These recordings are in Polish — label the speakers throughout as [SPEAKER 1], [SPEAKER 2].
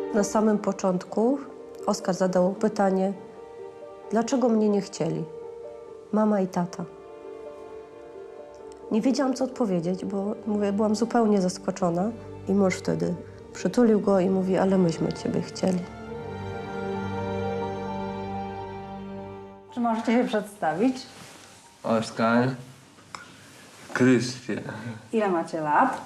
[SPEAKER 1] Na samym początku Oskar zadał pytanie, dlaczego mnie nie chcieli? Mama i tata. Nie wiedziałam, co odpowiedzieć, bo mówię, byłam zupełnie zaskoczona. I mąż wtedy przytulił go i mówi, ale myśmy ciebie chcieli.
[SPEAKER 2] Czy możecie się przedstawić?
[SPEAKER 3] Oskar, Krystian,
[SPEAKER 2] Ile macie lat?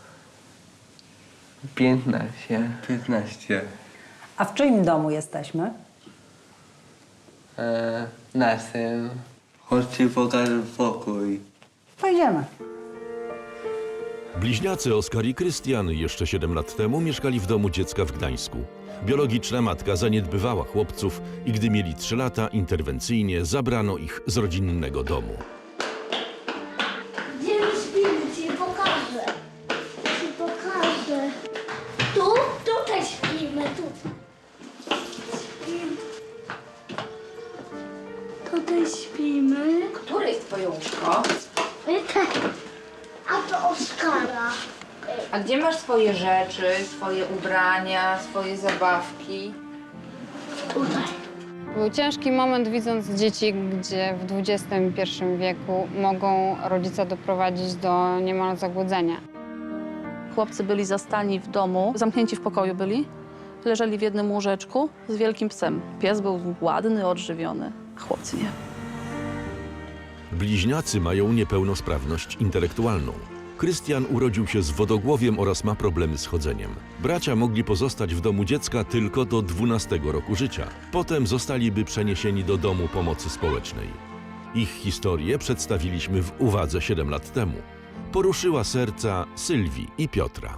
[SPEAKER 3] 15. 15.
[SPEAKER 2] A w czyim domu jesteśmy?
[SPEAKER 3] Naszym. Chodźcie, pokażę pokój.
[SPEAKER 2] Pojedziemy.
[SPEAKER 4] Bliźniacy Oskar i Krystian jeszcze 7 lat temu mieszkali w domu dziecka w Gdańsku. Biologiczna matka zaniedbywała chłopców i gdy mieli 3 lata, interwencyjnie zabrano ich z rodzinnego domu.
[SPEAKER 5] Gdzie my śpimy? Ci pokażę. Ci pokażę. Tu? Tutaj śpimy. Tutaj. Śpimy. Tutaj śpimy.
[SPEAKER 6] Które jest twoje łóżko?
[SPEAKER 5] A to Oskara.
[SPEAKER 6] A gdzie masz swoje rzeczy, swoje ubrania, swoje zabawki?
[SPEAKER 5] Tutaj.
[SPEAKER 7] Był ciężki moment, widząc dzieci, gdzie w XXI wieku mogą rodzice doprowadzić do niemal zagłodzenia.
[SPEAKER 8] Chłopcy byli zastani w domu, zamknięci w pokoju byli. Leżeli w jednym łóżeczku z wielkim psem. Pies był ładny, odżywiony, a chłopcy nie.
[SPEAKER 4] Bliźniacy mają niepełnosprawność intelektualną. Krystian urodził się z wodogłowiem oraz ma problemy z chodzeniem. Bracia mogli pozostać w domu dziecka tylko do 12 roku życia. Potem zostaliby przeniesieni do domu pomocy społecznej. Ich historię przedstawiliśmy w Uwadze 7 lat temu. Poruszyła serca Sylwii i Piotra.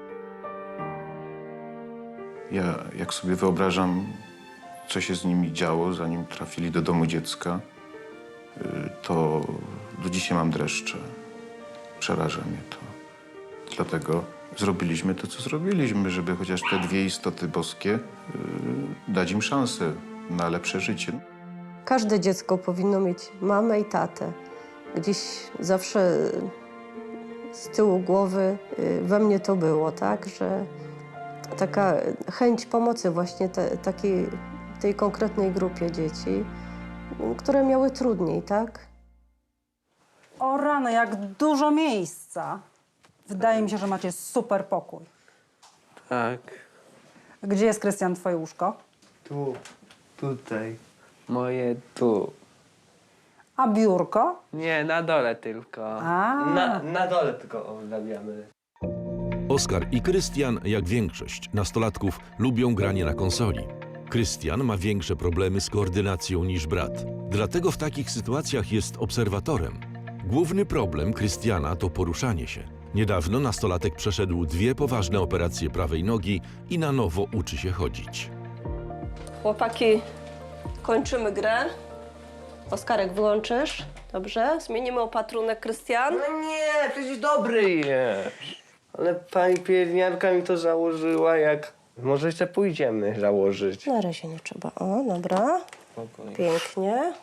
[SPEAKER 9] Ja, jak sobie wyobrażam, co się z nimi działo, zanim trafili do domu dziecka, to do dzisiaj mam dreszcze. Przeraża mnie to. Dlatego zrobiliśmy to, co zrobiliśmy, żeby chociaż te dwie istoty boskie dać im szansę na lepsze życie.
[SPEAKER 1] Każde dziecko powinno mieć mamę i tatę. Gdzieś zawsze z tyłu głowy we mnie to było, tak, że taka chęć pomocy właśnie tej konkretnej grupie dzieci, które miały trudniej, tak?
[SPEAKER 2] O rany, jak dużo miejsca. Wydaje mi się, że macie super pokój.
[SPEAKER 3] Tak.
[SPEAKER 2] Gdzie jest, Krystian, twoje łóżko?
[SPEAKER 3] Tu. Tutaj. Moje tu.
[SPEAKER 2] A biurko?
[SPEAKER 3] Nie, na dole tylko.
[SPEAKER 2] A.
[SPEAKER 3] Na dole tylko obrabiamy.
[SPEAKER 4] Oskar i Krystian, jak większość nastolatków, lubią granie na konsoli. Krystian ma większe problemy z koordynacją niż brat. Dlatego w takich sytuacjach jest obserwatorem. Główny problem Krystiana to poruszanie się. Niedawno nastolatek przeszedł 2 poważne operacje prawej nogi i na nowo uczy się chodzić.
[SPEAKER 1] Chłopaki, kończymy grę. Oskarek, wyłączysz? Dobrze? Zmienimy opatrunek, Krystian.
[SPEAKER 3] No nie, przecież dobry jest. Ale pani pielęgniarka mi to założyła, jak... Może jeszcze pójdziemy założyć.
[SPEAKER 1] Na razie nie trzeba. O, dobra.
[SPEAKER 3] Spokojnie.
[SPEAKER 1] Pięknie.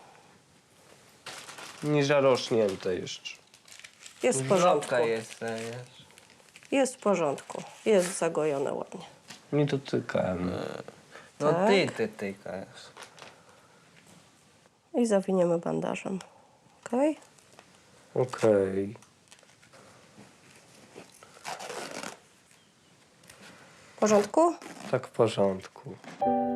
[SPEAKER 3] Nie zarośnięte jeszcze.
[SPEAKER 1] Jest w porządku.
[SPEAKER 3] jest.
[SPEAKER 1] Jest w porządku. Jest zagojone ładnie.
[SPEAKER 3] Nie dotykam. No
[SPEAKER 1] Tak.
[SPEAKER 3] ty tykasz.
[SPEAKER 1] I zawiniemy bandażem. Okej?
[SPEAKER 3] Okej.
[SPEAKER 1] W porządku?
[SPEAKER 3] Tak w porządku.